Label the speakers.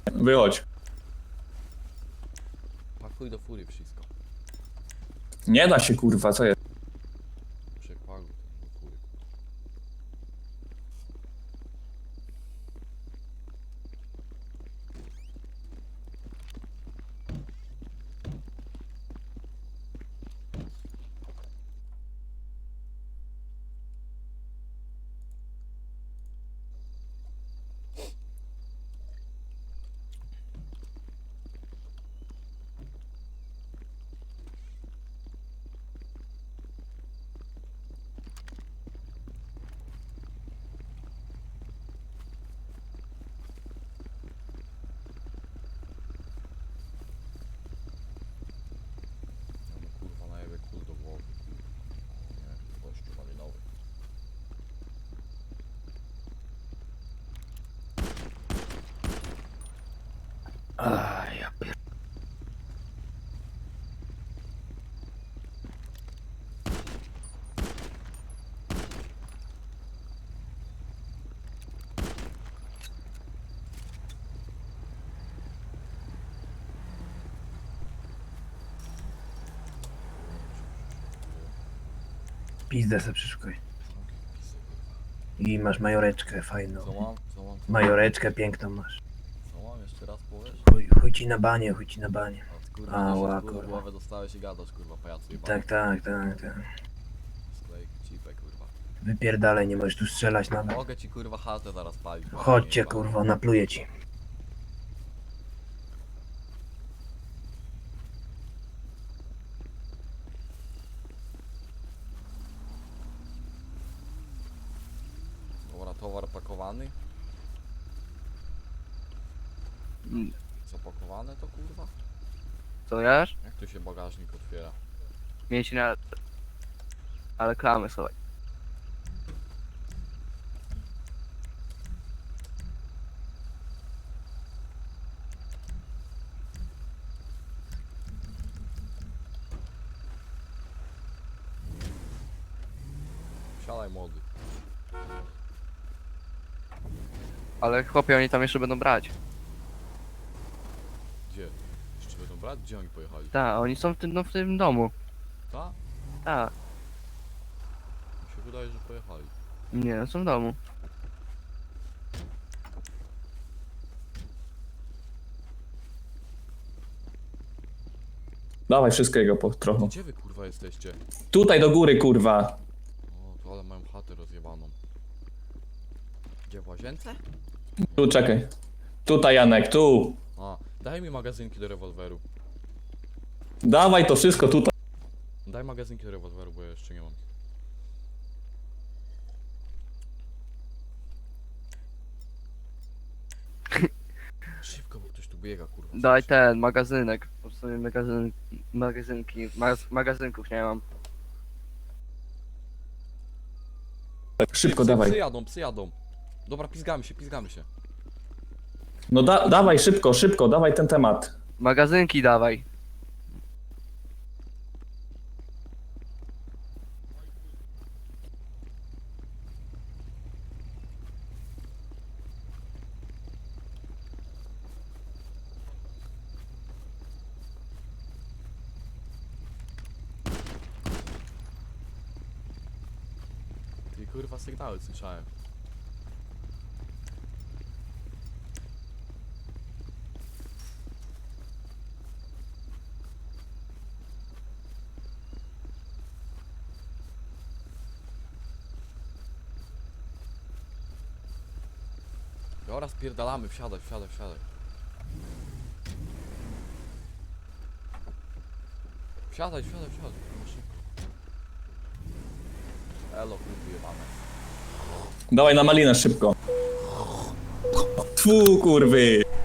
Speaker 1: Wychodź.
Speaker 2: Pakuj do furii wszystko.
Speaker 1: Nie da się kurwa, co jest?
Speaker 2: Przepakuj do furii. Ja mu kurwa najebie kul do głowy. Nie, gościu malinowy.
Speaker 3: Aj, ja pier... Pizdę se przyszukuj. I masz majoreczkę fajną.
Speaker 2: Co mam? Co mam?
Speaker 3: Majoreczkę piękną masz.
Speaker 2: Co mam? Jeszcze raz powiesz?
Speaker 3: Chuj ci na banie, chuj ci na banie.
Speaker 2: A kurwa,
Speaker 3: Ała,
Speaker 2: też w
Speaker 3: kurwa.
Speaker 2: głowę dostałeś i gadasz, kurwa, pajacu jebany.
Speaker 3: Tak.
Speaker 2: Sklejk, cipę, kurwa.
Speaker 3: Wypierdalaj, nie możesz tu strzelać nawet.
Speaker 2: Mogę ci kurwa chatę zaraz palić.
Speaker 3: Chodźcie
Speaker 2: jebany.
Speaker 3: kurwa, napluję ci.
Speaker 2: Dobra, towar pakowany? Zapakowane to kurwa?
Speaker 4: Co wiesz?
Speaker 2: Jak tu się bagażnik otwiera?
Speaker 4: Mieć na... Ale klamy sobie.
Speaker 2: Siadaj młody.
Speaker 4: Ale chłopie, oni tam jeszcze będą brać.
Speaker 2: Gdzie? Jeszcze będą brać? Gdzie oni pojechali?
Speaker 4: Tak, oni są w tym, no, w tym domu.
Speaker 2: Ta?
Speaker 4: Tak.
Speaker 2: Mi się wydaje, że pojechali.
Speaker 4: Nie, są w domu.
Speaker 1: Dawaj wszystkiego po trochę.
Speaker 2: Gdzie wy kurwa jesteście?
Speaker 1: Tutaj do góry kurwa.
Speaker 2: O, to ale mają chatę rozjebaną. Gdzie, w łazience?
Speaker 1: Tu czekaj. Tutaj Janek, tu.
Speaker 2: A, daj mi magazynki do rewolweru.
Speaker 1: Dawaj to wszystko tutaj.
Speaker 2: Daj magazynki do rewolweru, bo ja jeszcze nie mam. Szybko, bo ktoś tu biega, kurwa.
Speaker 4: Daj ten, magazynek. Po prostu magazynki. Magazynków nie mam.
Speaker 1: Szybko
Speaker 2: Psy
Speaker 1: dawaj.
Speaker 2: jadą, psy jadą. Dobra, pizgamy się, pizgamy się.
Speaker 1: No dawaj szybko, dawaj ten temat.
Speaker 4: Magazynki dawaj.
Speaker 2: Ty kurwa sygnały słyszałem. Dobra, spierdalamy, wsiadaj. Wsiadaj. No szybko. Elo, kurwa jebane.
Speaker 1: Dawaj na malinę szybko. Tfu kurwy.